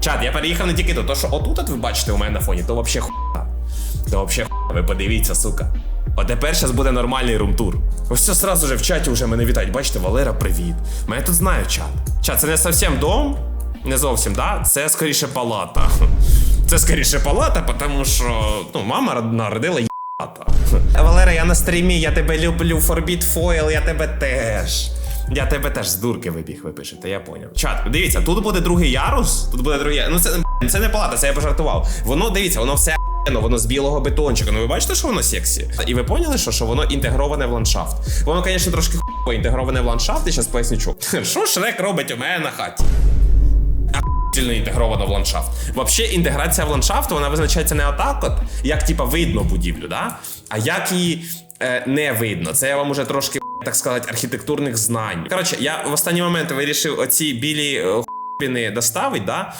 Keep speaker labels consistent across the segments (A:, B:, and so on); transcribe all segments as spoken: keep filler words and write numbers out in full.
A: Чат, я переїхав не тільки тут, то що отут от ви бачите у мене на фоні, то вообще хуйня. То вообще хуйня, ви подивіться, сука. От тепер зараз буде нормальний румтур. Ось це сразу же в чаті вже мене вітають. Бачите, Валера, привіт. Мене тут знають чат. Чат, це не зовсім дом, не зовсім, да? Це скоріше палата. Це скоріше палата, тому що, ну, мама народила єбата. Валера, я на стрімі, я тебе люблю, Forbid Foil, я тебе теж. Я тебе теж з дурки вибіг, ви пишете, я поняв. Чат, дивіться, тут буде другий ярус, тут буде другий ярус. Ну це, це не палата, це я пожартував. Воно, дивіться, воно все охуєнно, воно з білого бетончика. Ну ви бачите, що воно сексі? І ви поняли, що, що воно інтегроване в ландшафт? Воно, звісно, трошки хуйово інтегроване в ландшафт, і зараз поясню чому. Що Шрек робить у мене на хаті? Сильно інтегровано в ландшафт. Взагалі, інтеграція в ландшафт, вона визначається не отак от, як типа видно будівлю, да? А як її е, не видно. Це я вам уже трошки, так сказати, архітектурних знань. Коротше, я в останній момент вирішив оці білі хуйбіни доставити, да?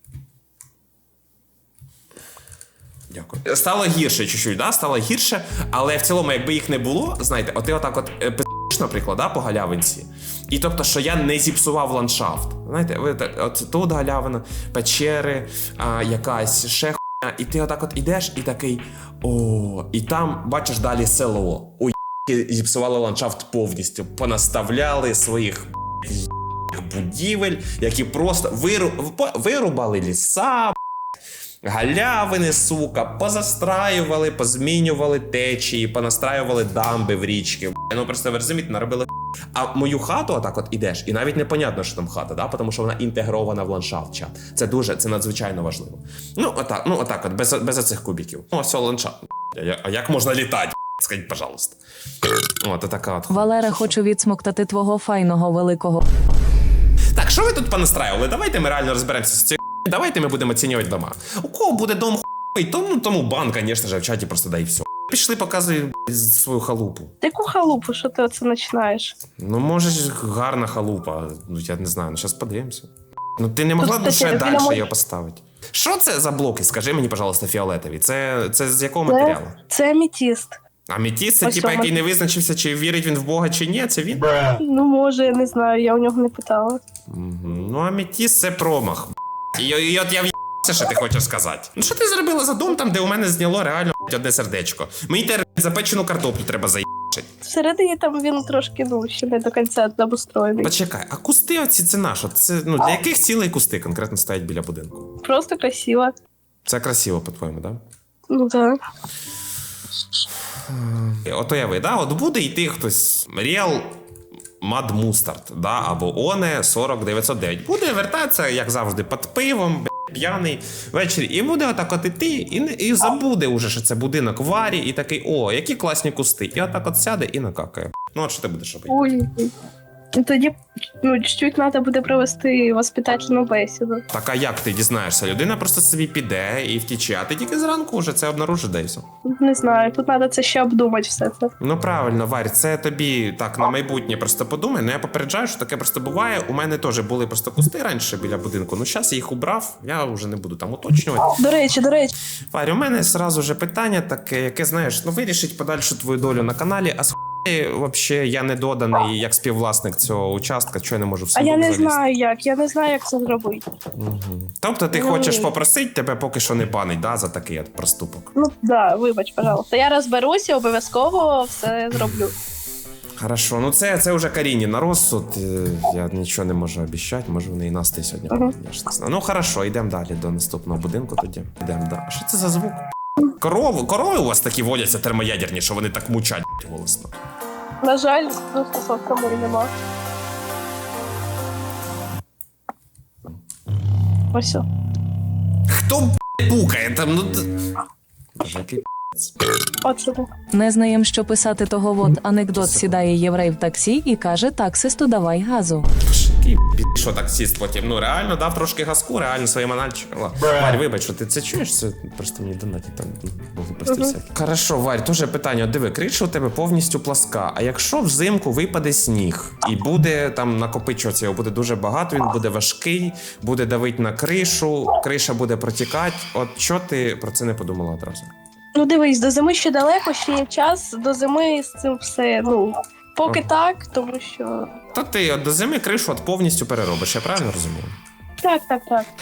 A: Дякую. Стало гірше чуть-чуть, да? Стало гірше, але в цілому, якби їх не було, знаєте, от ти отак от пи***ш, наприклад, да, по галявинці. І тобто, що я не зіпсував ландшафт. Знаєте, ви так, от тут галявина, печери, а, якась ще хуйня, і ти отак от ідеш і такий, о, і там бачиш далі село. Ой, зіпсували ландшафт повністю, понаставляли своїх будівель, які просто виру... вирубали ліса, галявини, сука, позастраювали, позмінювали течії, понастраювали дамби в річки. Ну просто ви розумієте, наробили. А мою хату отак от ідеш, і навіть непонятно, що там хата, да? Тому що вона інтегрована в ландшафт, чат. Це дуже, це надзвичайно важливо. Ну отак, ну отак от, без, без оцих кубиків. О, все, ландшафт. А як можна літати? Скажіть, пожалуйста. От, така от.
B: Валера, хочу відсмоктати твого файного великого.
A: Так, що ви тут понастраювали? Давайте ми реально розберемося з цією. Давайте ми будемо оцінювати дома. У кого буде дом хуй, тому, тому бан, звісно ж, в чаті просто дай все. Пішли, показуй свою халупу.
C: Яку халупу, що ти оце починаєш?
A: Ну, може, гарна халупа. Ну, я не знаю, ну, зараз подивимося. Ну, ти не могла б ще далі
C: мож...
A: її поставити. Що це за блоки? Скажи мені, пожалуйста, фіолетові. Це, це з якого
C: це,
A: матеріалу?
C: Це аметіст.
A: Аметіст, це типа, який не визначився, чи вірить він в Бога, чи ні, це він?
C: Ну, може, я не знаю, я у нього не питала.
A: Угу. Ну, аметіст – це промах. І, і от я в'їбався, що ти хочеш сказати. Ну, що ти зробила за дом там, де у мене зняло реально одне сердечко? Мені тепер запечену картоплю треба заїбати.
C: Всередині там він трошки, ну, ще не до кінця обустроєний.
A: Почекай, а кусти оці це на що? Це, ну, для яких цілей кусти конкретно стоять біля будинку?
C: Просто красиво.
A: Це красиво, по-твоєму, так? Да?
C: Ну, так.
A: От уяви, да? От буде йти хтось Real Mad Mustard, да? Або Оне сорок дев'ятсот дев'ять. Буде вертатися, як завжди, під пивом, п'яний ввечері. І буде отак от іти, і, і забуде уже, що це будинок варі, і такий, о, які класні кусти. І отак от сяде і накакає. Ну, от що ти будеш робити?
C: Ой. Ну, тоді, ну, чуть-чуть треба буде провести воспитательну бесіду.
A: Так, а як ти дізнаєшся? Людина просто собі піде і втіче, а ти тільки зранку вже це обнаружиш, де і все.
C: Не знаю, тут треба це ще обдумати все це.
A: Ну правильно, Варь, це тобі так на майбутнє просто подумай. Ну я попереджаю, що таке просто буває. У мене теж були просто кусти раніше біля будинку. Ну зараз я їх убрав, я вже не буду там уточнювати.
C: До речі, до речі.
A: Варь, у мене зразу же питання таке, яке, знаєш, ну вирішить подальшу твою долю на каналі, а з взагалі я не доданий як співвласник цього участка, що я не можу в
C: А я не
A: залізти.
C: знаю як, я не знаю, як це зробити.
A: Угу. Тобто ти
C: Ну,
A: хочеш попросити, тебе поки що не банить, да, за такий от проступок?
C: Ну, да, вибач, пожалуйста. Я розберуся, обов'язково все зроблю.
A: Хорошо, ну це, це вже Каріні на розсуд, я нічого не можу обіцяти, може в неї настрій сьогодні.
C: Ага.
A: Я ж не знаю. Ну хорошо, йдемо далі до наступного будинку тоді. Йдемо, да. А що це за звук? Корови, корови у вас такі водяться термоядерні, що вони так мучать голосно.
C: На жаль, доступу кому нема. Ось. о.
A: Хто б**, пукає там, ну... Боже, який
C: Оце так.
B: Не знаєм, що писати того вот анекдот. Сідає єврей в таксі і каже таксисту давай газу.
A: Який що таксист потім? Ну реально дав трошки газку, реально своїм аналітчикам. Варь, вибач, що ти це чуєш? Це просто мені донаті там глупості всякі. Хорошо, Варь, теж питання. Диви, криша у тебе повністю пласка. А якщо взимку випаде сніг і буде там накопичуватися, його буде дуже багато, він буде важкий, буде давити на кришу, криша буде протікати. От що ти про це не подумала одразу?
C: Ну дивись, до зими ще далеко, ще є час, до зими з цим все, ну, поки
A: Ага.
C: так, тому що...
A: То ти от до зими кришу от повністю переробиш, я правильно розумію?
C: Так, так, так.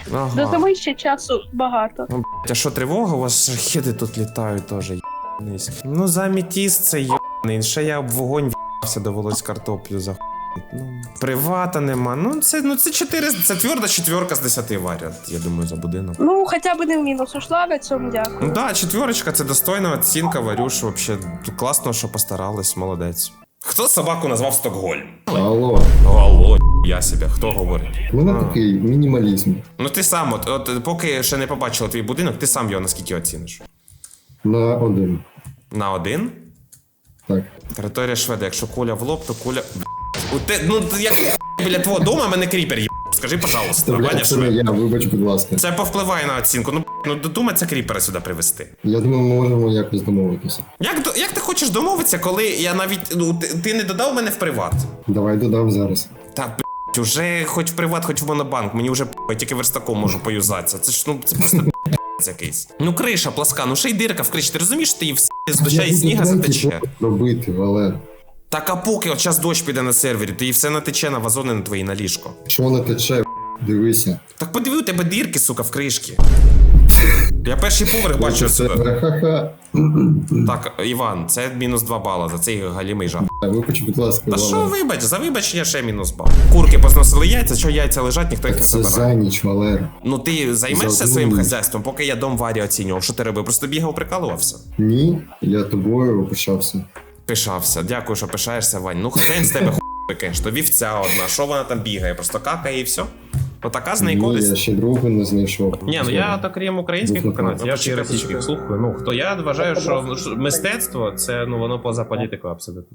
A: Ага.
C: До зими ще часу багато.
A: Ну, блядь, а що, тривога? У вас шахеди тут літають теж, єбаний. Ну, за аметіст це єбаний. Ще я об вогонь в'явся, довелось картоплю захуїти. Ну, привата нема. Ну, це, ну, це чотири, це тверда четверка з десяти варіант, я думаю, за будинок.
C: Ну, хоча б не в мінус ушла, на цьому дякую.
A: Ну да, четверочка, це достойна оцінка, Варюш, вообще класно, що постарались, молодець. Хто собаку назвав Стокгольм?
D: Алло,
A: Алло, я себе, хто говорить?
D: у мене
A: А.
D: такий мінімалізм.
A: Ну ти сам, от, от поки ще не побачила твій будинок, ти сам його наскільки оціниш?
D: На один.
A: На один?
D: Так.
A: Територія Шведа, якщо куля в лоб, то куля. У те, ну як біля твого дому мене кріпер є. Скажи, пожалуйста, Ваня
D: Бля, це не
A: Швед.
D: я, вибач, будь ласка.
A: Це повпливає на оцінку. Ну, ну додумайся кріпера сюди привезти.
D: Я думаю, ми можемо якось домовитися.
A: Як, до- як ти хочеш домовитися, коли я навіть. Ну, ти, ти не додав мене в приват?
D: Давай додам зараз.
A: Так, блядь, уже хоч в приват, хоч в монобанк, мені вже п***, я тільки верстаком можу поюзатися. Це ж ну це просто п***ць якийсь. Ну криша пласка, ну ще й дирка в криші. Ти розумієш, ти її в з доща і сніга затече.
D: Робити, Валер.
A: Так а поки от час дощ піде на сервері, то і все натече на вазони на твої на ліжко.
D: Що не тече, дивися.
A: Так подиви, у тебе дірки, сука, в кришки. Я перший поверх бачу
D: Це
A: сюди.
D: ха-ха.
A: Так, Іван, це мінус два бала за цей галімий жах.
D: Вибач, будь ласка,
A: Та що
D: Валер.
A: вибач, за вибачення ще мінус бал. Курки позносили яйця, що яйця лежать, ніхто їх не
D: Це
A: забирає.
D: за ніч, Валер.
A: Ну ти займешся
D: За одну
A: своїм
D: ніч.
A: хазяйством, поки я дом Варі оцінював. Що ти робив? Просто бігав, прикалувався.
D: Ні, я тобою опишався.
A: Пишався. Дякую, що пишаєшся, Вань. Ну хрен з тебе хуй, конечно. Вівця одна. Що вона там бігає? Просто какає і все. Отака з неї
D: Ні,
A: користь.
D: я ще другу не знайшов.
A: Ні, ну я так крім українських
D: Був
A: виконавців, я
D: виконавець.
A: ж і російських слухаю. Ну хто я вважаю, що ну, що мистецтво це ну воно поза політикою абсолютно.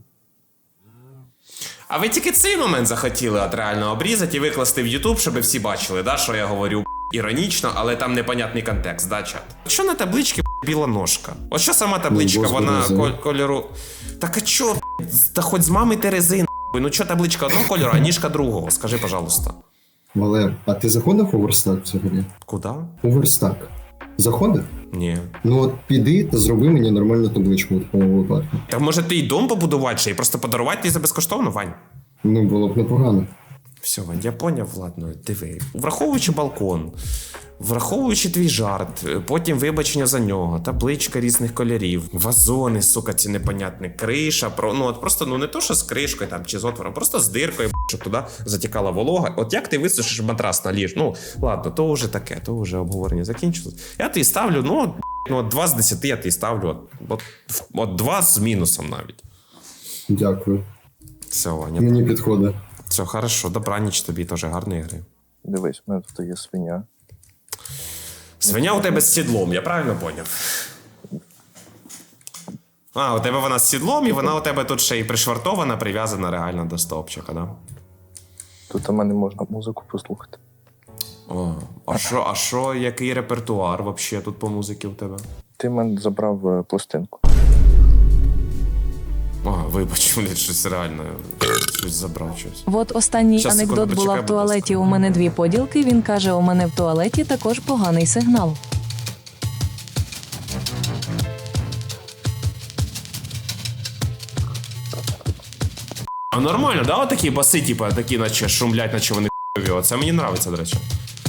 A: А ви тільки цей момент захотіли от реально обрізати і викласти в Ютуб, щоб всі бачили, да, що я говорю іронічно, але там непонятний контекст, да, чат? Що на табличці біла ножка? От що сама табличка,
D: Ну, господи,
A: вона
D: за-
A: коль- кольору. Так а чо, та хоч з мами Терези, нахуй? Ну чо табличка одного кольору, а ніжка другого? Скажи, пожалуйста.
D: Валер, а ти заходив у верстак взагалі?
A: Куда?
D: У верстак. Заходив?
A: Ні.
D: Ну от піди та зроби мені нормальну табличку у такому випадку.
A: Так може ти й дом побудувати ще і просто подарувати їй за безкоштовно, Вань?
D: Ну, було б непогано.
A: Все, Вань, я поняв, ладно, диви. Враховуючи балкон, враховуючи твій жарт, потім вибачення за нього, табличка різних кольорів, вазони, сука, ці непонятні, криша, про, ну от просто ну не то, що з кришкою там чи з отвором, просто з диркою, щоб туди затікала волога. От як ти висушиш матрас на ліж? Ну, ладно, то вже таке, то вже обговорення закінчилось. Я тобі ставлю, ну, от, ну, от два з десяти я тобі ставлю, от, от, от два з мінусом навіть.
D: Дякую.
A: Все, Ваня,
D: Мені підходить.
A: все, хорошо, добраніч тобі, теж гарної гри.
E: Дивись, у мене тут є свиня.
A: Свиня у тебе з сідлом, я правильно поняв? А, у тебе вона з сідлом, і вона у тебе тут ще й пришвартована, прив'язана реально до стовпчика, да?
E: Тут у мене можна музику послухати.
A: О, а що, а що, який репертуар вообще тут по музиці у тебе?
E: Ти в мене забрав е, пластинку.
A: А, вибач, блін, щось реально, щось забрав щось.
B: От останній
A: Щас,
B: анекдот
A: секунду,
B: була
A: почекай,
B: в
A: будь ласка.
B: туалеті. У мене дві поділки. Він каже: у мене в туалеті також поганий сигнал.
A: А нормально, да, отакі баси, типа, такі, наче шумлять, наче вони х**ові. Це мені нравиться, до речі.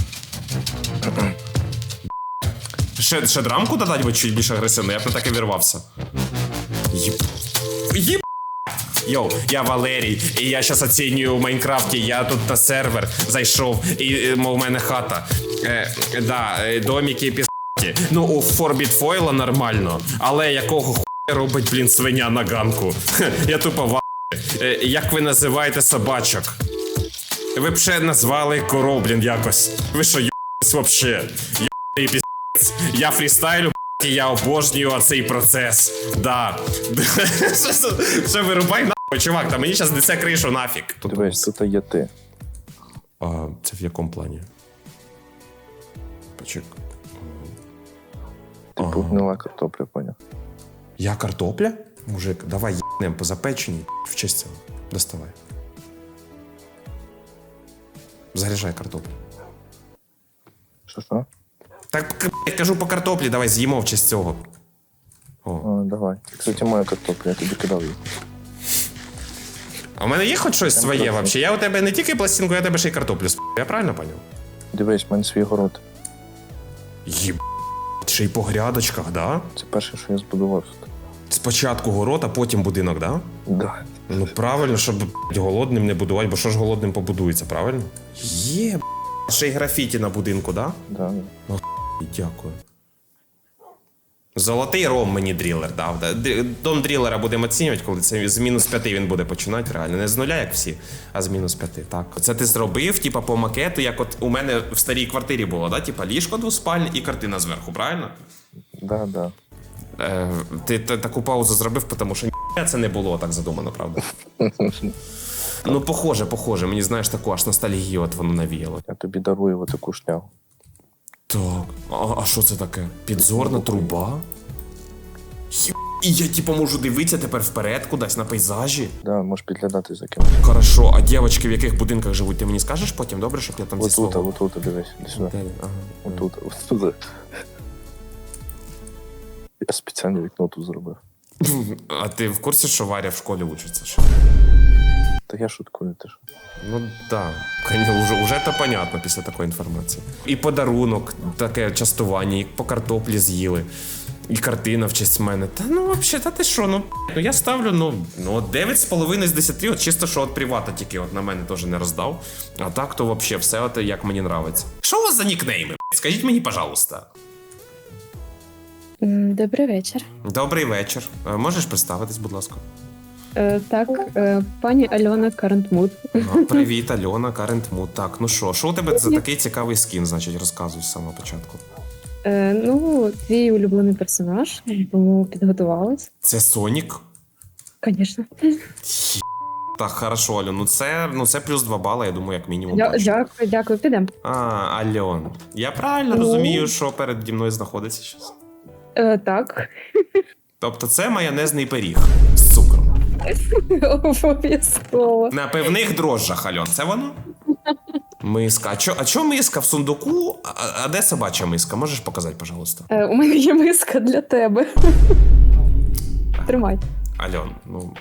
A: Ще, ще драмку додати, бо чуть більш агресивно, я б не так і вірвався. Єб... Єб... Йоу, я Валерій, і я зараз оцінюю у Майнкрафті, я тут на сервер зайшов, і е, у мене хата. Е, да, е, доміки пізді. Ну, у Forbid Foil нормально, але якого хуя робить, блін, свиня на ганку? Хе, я тупо ва... Е, як ви називаєте собачок? Ви б ще назвали коров, блін, якось. Ви що, ю**сь вообще? Ю**й піздець. Я фрістайлю, б***ь, і я обожнюю оцей процес. Да. Що вирубай нахуй, чувак, та мені зараз несе кришу нафіг.
E: Дивись, тут є ти.
A: А це в якому плані? Почек.
E: Типу
A: Ага.
E: гнила картопля, поняв?
A: Я картопля? Мужик, давай їбнем по запеченні. В честь цього. Доставай. Заряджай картоплю.
E: Що що?
A: Так, я кажу по картоплі, давай з'їмо в честь цього. О.
E: А, давай. Кстати, моя картопля, я тобі кидав її.
A: А у мене є хоч щось своє
E: трохи.
A: вообще? Я у тебе не тільки пластинку, я у тебе ще й картоплю сп***. Я правильно поняв?
E: Дивись, в мене свій город.
A: Єб... Ще й по грядочках, да?
E: Це перше, що я збудував тут.
A: Спочатку город, а потім будинок, да?
E: Да.
A: Ну правильно, щоб б***ь, голодним не будувати, бо що ж голодним побудується, правильно? Є, б***ь. Ще й графіті на будинку, да?
E: Да.
A: Дякую. Золотий ром мені дрілер дав. Да? Д- Дом дрілера будемо оцінювати, коли це з мінус п'яти він буде починати реально. Не з нуля, як всі, а з мінус п'яти. Так. Це ти зробив, типа, по макету, як от у мене в старій квартирі було, да? Типа ліжко двоспальне і картина зверху, правильно?
E: Да, да.
A: Е, ти т- таку паузу зробив, тому що ні, це не було так задумано, правда? Ну, похоже, похоже. Мені, знаєш, таку аж ностальгію от воно навіяло.
E: Я тобі дарую отаку шнягу.
A: Так, а, а що це таке? Підзорна труба? Єб... І я типу можу дивитися тепер вперед кудись на пейзажі.
E: Да, можеш підглядати за кимось.
A: Хорошо, а дівчатки в яких будинках живуть, ти мені скажеш потім, добре, щоб я там зі
E: Отут,
A: свого...
E: отут, дивись, іди сюди.
A: Де? Ага.
E: Отут, отут. Я спеціально вікно тут зробив.
A: А ти в курсі, що Варя в школі учиться? Що?
E: Та я шуткую, ти ж.
A: Ну да, конечно, уже, уже то понятно після такої інформації. І подарунок, таке частування, і по картоплі з'їли, і картина в честь мене. Та ну взагалі, та ти що, ну, ну я ставлю, ну, ну дев'ять з половиною з десяти, от чисто, що от привата тільки от на мене теж не роздав. А так, то взагалі все от як мені нравиться. Що у вас за нікнейми? Скажіть мені, пожалуйста.
F: М, Добрий вечір.
A: Добрий вечір. Е, Можеш представитись, будь ласка?
F: Е, так, е, пані Альона Карентмут.
A: Ну, привіт, Альона, Карентмут. Так, ну що, що у тебе за такий цікавий скін, значить, розказуй з самого початку.
F: Е, ну, твій улюблений персонаж, тому підготувалась.
A: Це Сонік?
F: Звісно.
A: Так, хорошо, Альон, ну це, ну це плюс два бали, я думаю, як мінімум.
F: Дя-
A: точно.
F: Дякую, дякую, підемо.
A: А, Альон. Я правильно
F: Ну.
A: розумію, що переді мною знаходиться щось?
F: Е, так,
A: Тобто це майонезний пиріг з цукром.
F: обов'язково.
A: На певних дрожжах, Альон, це воно? Миска. А чо, а чо миска в сундуку? А, а де собача миска? Можеш показати, пожалуйста?
F: Е, у мене є миска для тебе. Тримай.
A: Альон, ну.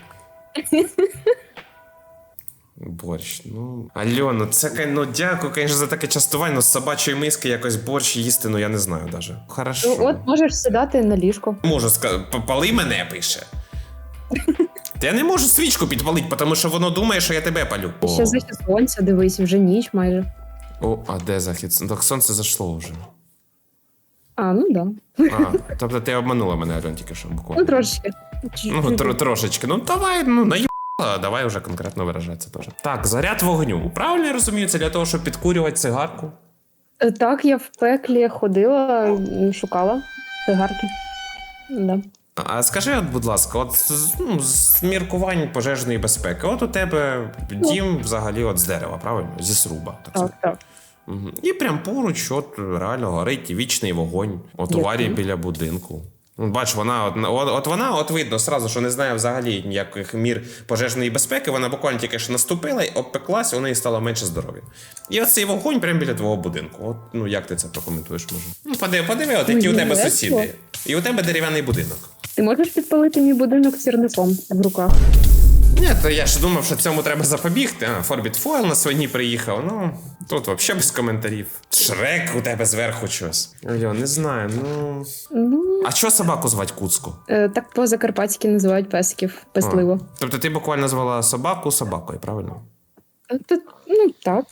A: Борщ, ну. Альон, ну це кай- ну дякую, звісно, за таке частування, ну з собачої миски якось борщ їсти, ну я не знаю даже. Хорошо.
F: Ну, от можеш сідати на ліжко.
A: Можу сказати, попали мене пише. Та я не можу свічку підпалити, тому що воно думає, що я тебе палю.
F: Ще захід сонця, дивись, вже ніч майже.
A: О, а де захід? Ну, так сонце зайшло вже.
F: А, ну да.
A: А, тобто ти обманула мене, Альон, тільки що буквально.
F: Ну, трошечки.
A: Ну, тр- трошечки. Ну, давай, ну, наїбала, давай вже конкретно виражатися теж. Так, заряд вогню. Правильно я розумію, це для того, щоб підкурювати цигарку?
F: Е, Так, я в пеклі ходила, м, шукала цигарки. Да.
A: А скажи, от, будь ласка, от з- ну, з міркувань пожежної безпеки, от у тебе дім взагалі от з дерева, правильно? Зі сруба. Так,
F: Так,
A: сказати.
F: так.
A: Мгм. І прям поруч, от реально горить вічний вогонь. От у
F: Дякую.
A: Варі біля будинку. Ну, бач, вона от, от, от вона, от видно сразу, що не знає взагалі ніяких мір пожежної безпеки. Вона буквально тільки що наступила і обпеклась, у неї стало менше здоров'я. І оцей вогонь прямо біля твого будинку. От, ну як ти це прокоментуєш, може? Ну, подиви, подиви, от які у
F: Ой,
A: тебе
F: весело.
A: сусіди. І у тебе дерев'яний будинок.
F: Ти можеш підпалити мій будинок сірником в руках?
A: Ні, то я ж думав, що цьому треба запобігти. А, Форбіт Фойл на свині приїхав. Ну, тут взагалі без коментарів. Шрек у тебе зверху щось. Альо, не знаю, ну.
F: Ну,
A: А що собаку звати Куцку?
F: е, так по-закарпатськи називають песиків песливо.
A: А, тобто ти буквально звала собаку собакою, правильно?
F: Е, та- ну, так.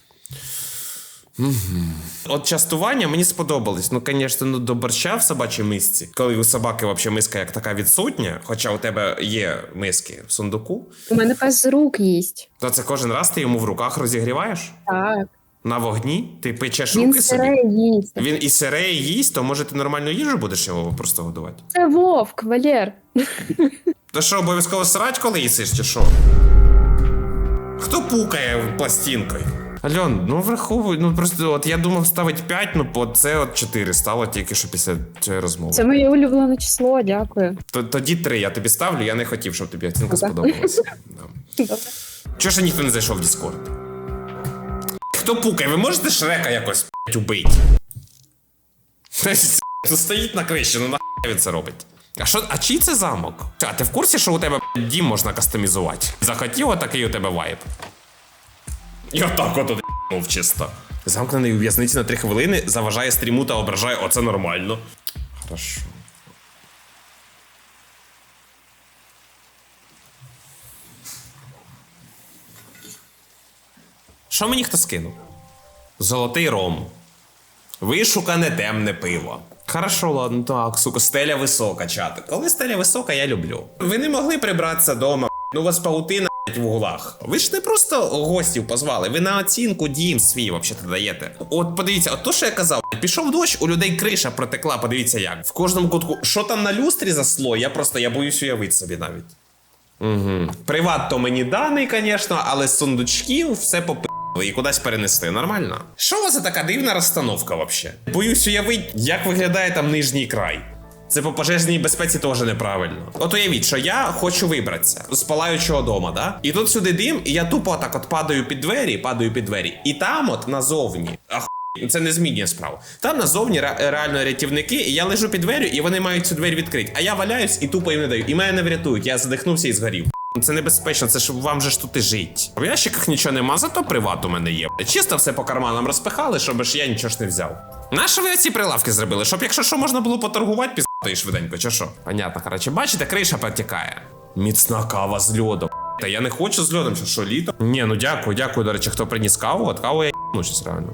A: От частування мені сподобались. Ну, звісно, ну, до борща в собачій мисці, коли у собаки взагалі миска як така відсутня, хоча у тебе є миски в сундуку,
F: У мене пес з рук їсть.
A: то це кожен раз ти йому в руках розігріваєш?
F: Так.
A: На вогні? Ти печеш
F: Він
A: руки собі?
F: сире їсть.
A: Він і сире, і їсть, то може ти нормальну їжу будеш його просто годувати?
F: Це вовк, Валєр.
A: То що, обов'язково срать, коли їсиш, чи що? Хто пукає пластинкою? Альон, ну враховуй, ну просто от я думав ставити п'ять, ну по це от чотири стало тільки що після цієї розмови.
F: Це моє улюблене число, дякую.
A: Т- Тоді три я тобі ставлю, я не хотів, щоб тобі оцінка
F: Ага.
A: сподобалася. Да.
F: Добре.
A: Чого ж ніхто не зайшов в Discord? Хто пукає, ви можете Шрека якось п***ть, убить? Тут стоїть на криші, ну нахуй він це робить. А що, а чий це замок? А ти в курсі, що у тебе п***, дім можна кастомізувати? Захотів, отакий у тебе вайб. І отак от ***нув чисто. Замкнений у в'язниці на три хвилини, заважає стріму та ображає. Оце нормально. Хорошо. Що мені хто скинув? Золотий ром. Вишукане темне пиво. Хорошо, ладно, так, сука, стеля висока, чати. Коли стеля висока, я люблю. Ви не могли прибратися дома, ну у вас паутина в углах. Ви ж не просто гостів позвали, ви на оцінку дім свій взагалі даєте. От подивіться, от то, що я казав, пішов дощ, у людей криша протекла, подивіться як. В кожному кутку, що там на люстрі за слой, я просто, я боюсь уявити собі навіть. Угу. Приват то мені даний, звісно, але з сундучків все попи... і кудись перенести, нормально? Що у вас за така дивна розстановка взагалі? Боюсь уявити, як виглядає там нижній край. Це по пожежній безпеці теж неправильно. От уявіть, що я хочу вибратися з палаючого дома, да? І тут сюди дим, і я тупо так от падаю під двері, падаю під двері. І там от назовні, ах, це не змінює справу. Там назовні ре реально рятівники, і я лежу під дверю, і вони мають цю двері відкрити. А я валяюсь і тупо їм не даю. І мене не врятують, я задихнувся і згорів. Це небезпечно, це ж вам же ж тут і жить. В ящиках нічого нема, зато приват у мене є. Чисто все по карманам розпихали, щоб ж я нічого ж не взяв. Нащо ви оці прилавки зробили? Щоб якщо що можна було поторгувати, піздати швиденько, чи що? Понятно, коротше, бачите, криша протікає. Міцна кава з льодом. Та я не хочу з льодом, що, що літо? Ні, ну дякую, дякую, до речі, хто приніс каву, от каву я ну щось реально.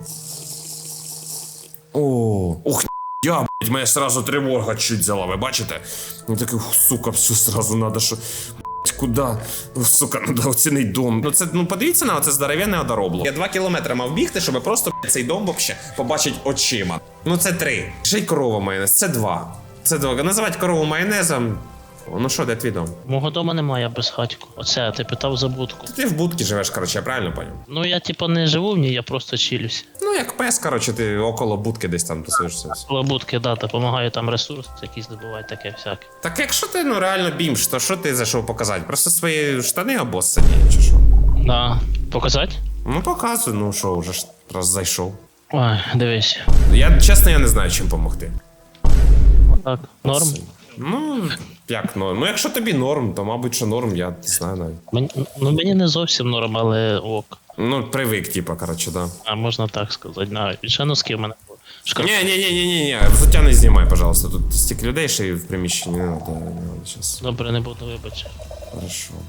A: О, ух, я, блядь, мене сразу тривога чуть взяла, ви бачите? Ну такий, сука, все сразу надо, що... Куда? Сука, надо оцінити дом. Ну це, ну подивіться на оце здоровенне одоробло. Я два кілометри мав бігти, щоб просто цей дом вообще побачить очима. Ну це три. Ще й корова майонез, це два. Це два. Називати корову майонезом. Ну що, де твій дом?
G: Мого дома немає, я без хатьку. Оце, ти питав за будку.
A: Ти в будці живеш, коротше, я правильно поняв?
G: Ну я типа не живу в ній, я просто чилюсь.
A: Ну як пес, коротше, ти около будки десь там тусуєшся.
G: Коло будки, да, допомагаю там ресурс, якісь здобувати, таке всяке.
A: Так якщо ти ну реально бімж, то що ти зайшов показати? Просто свої штани обоссані, чи що?
G: Да. Показати?
A: Ну показуй, ну що, вже ж раз зайшов.
G: Ой, дивись.
A: Я чесно, я не знаю, чим допомогти.
G: Так, норм.
A: Ну, як норм? Ну, якщо тобі норм, то мабуть, що норм, я не знаю навіть.
G: Мені, ну мені не зовсім норм, але ок.
A: Ну, привик, типа, коротше, да.
G: А можна так сказати. Навіть ще носки в мене. Шкар...
A: Ні, ні, ні, ні, ні, ні, взуття не знімай, пожалуйста. Тут стільки людей ще й в приміщенні. Не надо, не надо, щас.
G: Добре, не буду, вибач.
A: Хорошо.